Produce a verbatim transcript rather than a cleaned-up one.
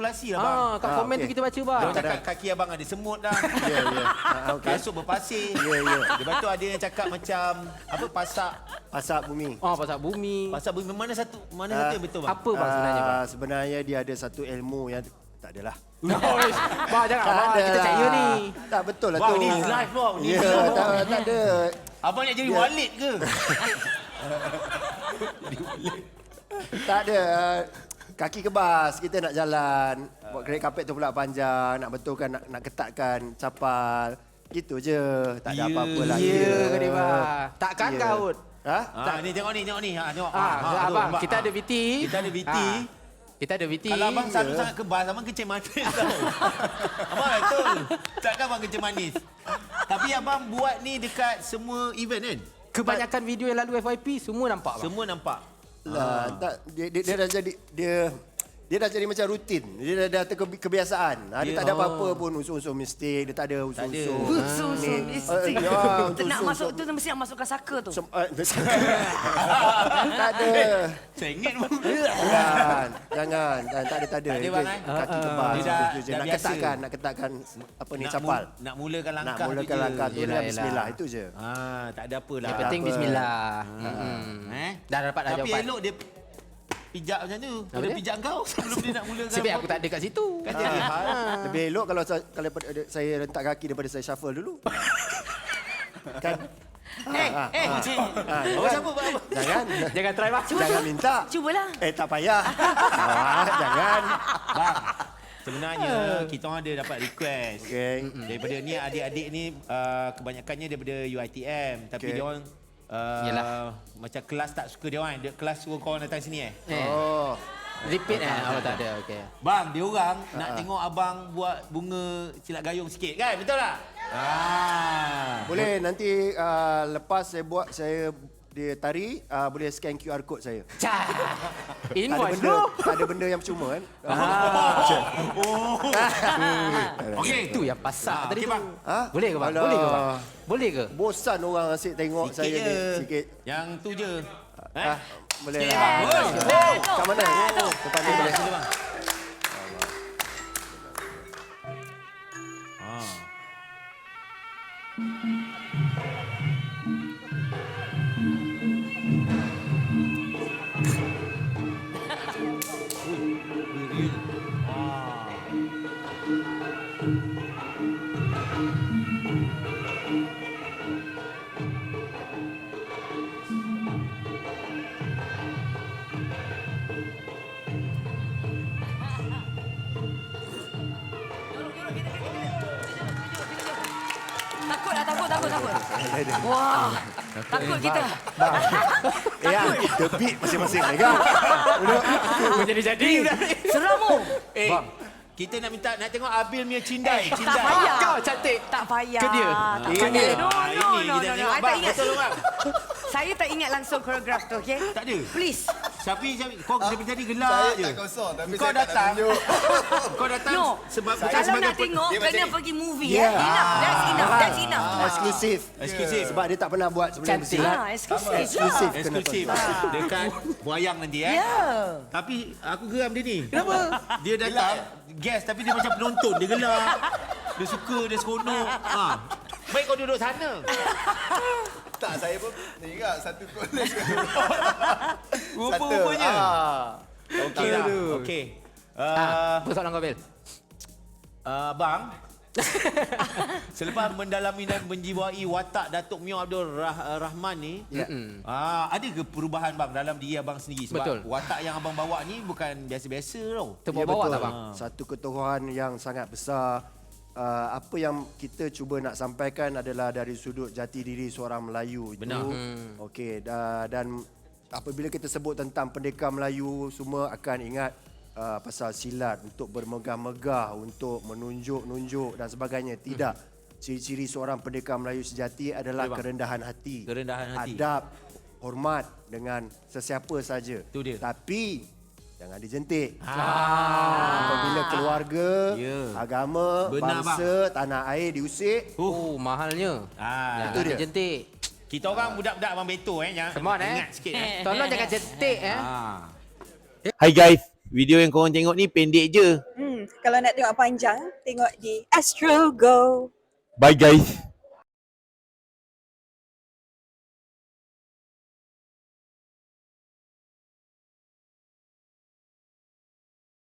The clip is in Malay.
spekulasi lah bang. Ah, kat Ah, komen okey. tu kita baca bang. Dia cakap kaki abang ada semut dah. Ya, ya. Ah, okey. Kasut berpasir. Ya, ya. Lepas tu ada yang cakap macam apa pasak Pasak bumi. Oh, pasal bumi. pasak bumi mana satu mana Ah, satu yang betul bang? Apa bang sebenarnya bang? Ah, sebenarnya dia ada satu ilmu yang tak adalah. Noish. Bang jangan Tak bang, ada kita cek lah. you ni. Tak betul lah Bang, tu. ni live bang, ni Ya, live, tak, bang. tak ada. Abang nak jadi Ya. Walid ke? Tak ada. Kaki kebas, kita nak jalan. Buat kereta kapet tu pula panjang. Nak betulkan, nak, nak ketatkan capal. Gitu je. Tak ada Ya, apa-apa lah. Ya ke dia bang? Takkan Ya. kau? Ha? Ha, ni tengok ni, tengok ni. Ha, tengok. Ah, ha, abang, tu, nampak? kita Ha. ada V T. Kita ada V T. Ah, kita ada V T. Kalau abang selalu Ya. sangat kebas, abang kencing manis tau. Abang betul. Takkan abang kencing manis. Tapi abang buat ni dekat semua event kan? Kebanyakan video yang lalu F Y P semua nampak bang. Semua nampak. Lah, tak, dia, dia, dia dah jadi dia dia dah jadi macam rutin. Dia dah, dah terkebi- kebiasaan. Ha, dia Dia- tak ada apa-apa pun unsur-unsur mistik. Dia tak ada unsur-unsur. Unsur-unsur ni. mistik. Eh, ya, Kita nak unsur-unsur- masuk tu mesti nak masukkan saka tu. Sem- eh, tak ada. Sengit pun. Jangan, jangan. Tak tak ada, tak ada. Tak ada, Dia bang, eh? Kaki Ah, kebas. Dia dah- gitu je. dah Nak biasa. ketatkan, nak ketatkan apa ni, Nak capal. mu- Nak mulakan Nak langkah mulakan tu je. langkah tu Yelah, dah yelah. bismillah. Itu je. Ah, tak ada apa lah. Yang penting apa. bismillah. Hmm. Eh? Dah dapat dah Tapi jawapan. elok dia pijak macam tu. Apa Dia dia? pijak kau sebelum dia nak mulakan. Sebab aku tak ada kat situ. Kan dia ada hal. Lebih elok kalau saya, kalau saya rentak kaki daripada saya shuffle dulu. Kan? Eh, eh. Ah, Abang siapa bang? Jangan. Jangan try bang. Jangan minta. Cubalah. Eh, tak payah. Ah, jangan. Bang, sebenarnya kita orang ada dapat request. Okey. Daripada ni adik-adik ni uh, kebanyakannya daripada U I T M tapi Okey. dia orang uh, Yelah. macam kelas tak suka dia orang. Dia kelas suruh kau orang datang sini eh. Eh, Oh. repeat eh. Oh tak ada. Okey. Bang, dia orang nak tengok abang buat bunga silat gayung sikit kan? Betul tak? Ah. Boleh nanti uh, lepas saya buat saya dia tari uh, boleh scan Q R code saya. Cah. Tak ada Invoice benda, tu. tak ada benda yang percuma kan? Okey. Itu yang pasak Ah, tadi okey, tu. bang. Ha? Boleh ke bang? Alah. Boleh ke bang? Boleh ke? Bosan orang asyik tengok Sikit saya je. ni sikit. Yang tu je. Eh? Ah, boleh Sikit, lah. bang. Eh, Oh, tu, eh, tu, kat mana? eh, tu. Depan ni Sini, boleh. sini, bang. Ah. Takut lah, takut, takut, takut. Wah, takut kita. Eh, ya, the beat masing-masing ni kan? Jadi-jadi. Seram mu. Eh, kita nak minta nak tengok Abil punya cindai, Eh, tak cindai. payah. Kau cantik. Tak payah. Ke dia? Tak Ini. payah. No, Ah, no, ini no, kita no, no. tengok. I tak Bang, ingat. betul bang. Saya tak ingat langsung koreograf tu, okey? Tak ada. Please. Syafi, Syafi, kau dari tadi gelak Saya je. tak kosong tapi Kau saya tak nak datang. tunjuk. Kau datang No. sebab bukan Kalau sebagai nak tengok, dia kena macam ni. pergi movie. Yeah. Eh. Enough. That's enough. That's enough. Ah, eksklusif. eksklusif. Sebab dia tak pernah buat sebelum Cantik. bersilat. Ah, eksklusif. Eksklusif. lah. Kena Eksklusif tonton. dekat Wayang nanti eh. Ya. Tapi aku geram dia ni. Kenapa? Dia datang guest tapi dia macam penonton, dia gelak. Dia suka, dia seronok. Ha. Baik kau duduk sana. Tak, saya pun ni juga satu kolej. Rupa-rupanya. Ah. Okey lah. Okey. Uh, Ah, apa soalan kau Bil? uh, bang. Selepas mendalami dan menjiwai watak Datuk Mio Abdul Rah- Rahman ni, Ya. ah, ada ke perubahan bang dalam diri abang sendiri? Sebab Betul. watak yang abang bawa ni bukan biasa-biasa tau. Terbawa betul. tak bang? Satu ketuhan yang sangat besar. Uh, apa yang kita cuba nak sampaikan adalah dari sudut jati diri seorang Melayu itu. Benar. Hmm. Okey, da- dan apabila kita sebut tentang pendekar Melayu, semua akan ingat uh, pasal silat untuk bermegah-megah, untuk menunjuk-nunjuk dan sebagainya. Tidak. Ciri-ciri seorang pendekar Melayu sejati adalah Betul, bang. kerendahan hati. Kerendahan hati. Adab, hormat dengan sesiapa saja. Itu dia. Tapi jangan dijentik. Ah. Apabila keluarga, Ya. agama, Benar, bangsa, tanah air diusik, Oh, mahalnya. Ah, Jangan dia. jentik. kita orang budak-budak abang Beto eh, jangan Come on, eh. ingat sikit eh. Tolong jangan jentik eh. Ah. Hai guys, video yang korang tengok ni pendek je. Hmm. Kalau nak tengok panjang, tengok di Astro Go. Bye guys.